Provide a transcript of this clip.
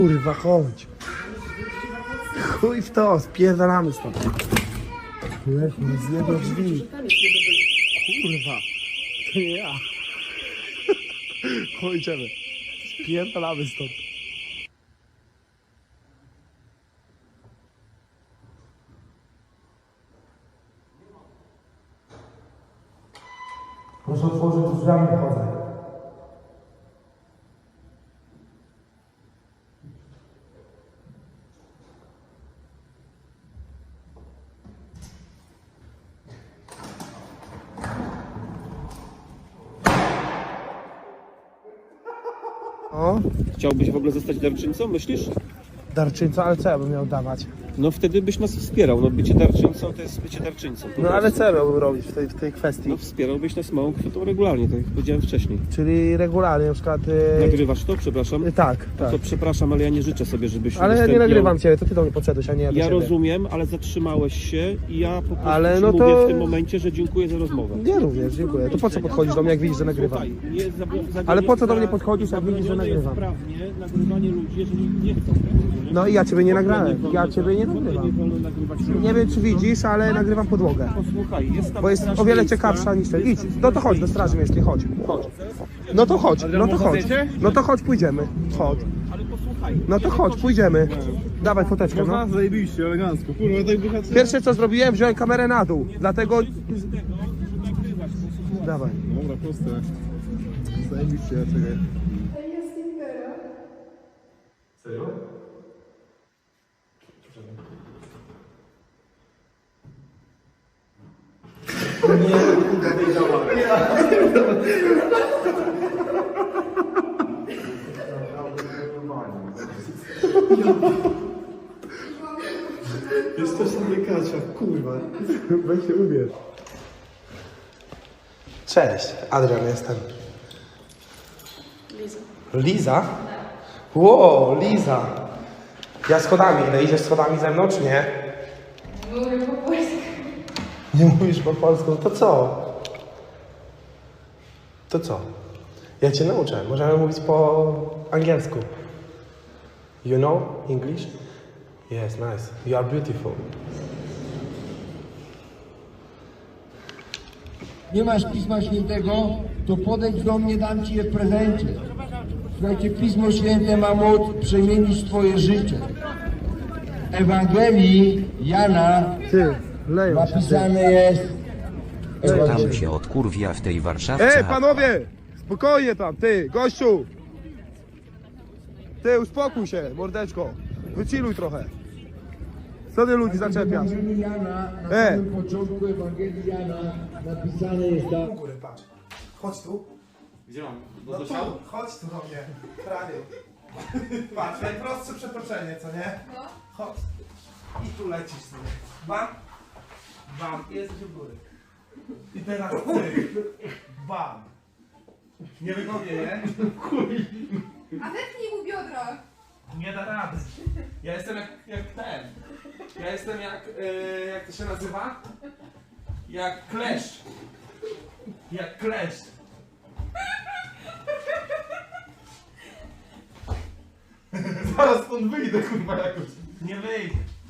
Kurwa, chodź. Chuj w to, spierdalamy stąd. Lechu, zjebał drzwi. Kurwa, to nie ja. Chodź, idziemy. Spierdalamy stąd. Muszę otworzyć drzwiami, chodzę. O, Chciałbyś w ogóle zostać darczyńcą, myślisz? darczyńca, ale co ja bym miał dawać? No wtedy byś nas wspierał. No bycie darczyńcą to jest bycie darczyńcą. po No ale prostu. co ja miałbym robić w tej kwestii? No wspierałbyś nas małą kwotą regularnie, tak jak powiedziałem wcześniej. Czyli regularnie, na przykład... Nagrywasz to? Przepraszam? Tak, tak. To przepraszam, ale ja nie życzę sobie, żebyś Ale ja nie udostępniał- nagrywam ciebie, to ty do mnie podszedłeś, a nie ja do Ja ciebie. rozumiem, ale zatrzymałeś się i ja po prostu Ale ci no mówię to- w tym momencie, że dziękuję za rozmowę. Ja również, dziękuję. To po co podchodzisz do mnie, jak widzisz, że nagrywam? Słuchaj, nie Ale po co do mnie podchodzisz, jak widzisz, że zabronione jest nagrywam? prawnie nagrywanie ludzi, jeżeli nie chcą. No i ja ciebie nie nagrałem, ja ciebie nie nagrywam. Nie wiem, czy widzisz, ale nagrywam podłogę. Posłuchaj, jest tam Bo jest straż o wiele miejska. ciekawsza niż ten. Idź, no to chodź do Straży Miejskiej, chodź. Chodź. No to chodź, no to chodź. No to chodź, pójdziemy. Chodź. Ale posłuchaj, No to chodź, pójdziemy. Dawaj foteczkę, no. Zajebiście, elegancko. Kurwa, tak wychadzę. Pierwsze co zrobiłem, wziąłem kamerę na dół, dlatego... Dawaj. Dobra, proste. Zajebiście, ja czekaj. Serio? Jest też sobie Kasia, kurwa. Weź się ubierz. Cześć, Adrian jestem. Liza. Liza? Wow, Liza. Ja schodami, ile idziesz schodami ze mną, czy nie? Mówię po polsku. Nie mówisz po polsku, to co? To co? Ja cię nauczę, możemy mówić po angielsku. You know English? Yes, nice. You are beautiful. Nie masz Pisma Świętego, to podejdź do mnie, dam Ci je w prezencie. Słuchajcie, Pismo Święte ma moc przemienić Twoje życie. W Ewangelii Jana Ty, leją się. napisane jest... Tam się odkurwia w tej Warszawce. Ej, panowie! Spokojnie tam, ty, gościu! Ty, uspokój się, mordeczko. Wychilluj trochę. Co ty ludzi W zaczepiasz? Ewangelii Jana, na samym początku Ewangelii Jana napisane jest tak... U góry, patrz. Chodź tu. Gdzie mam? No tu, chodź tu do mnie. Prawie. Patrz, najprostsze przetoczenie, co nie? No. Chodź. I tu lecisz sobie. Bam. Bam. I jesteś u góry. I teraz ty. Bam. Niewygodnie, nie? A wepnij mu biodro. Nie da rady. Ja jestem jak ten. Ja jestem jak to się nazywa? Jak kleszcz. Jak kleszcz. Zaraz stąd wyjdę, kurwa, jakoś. Nie wyjdę.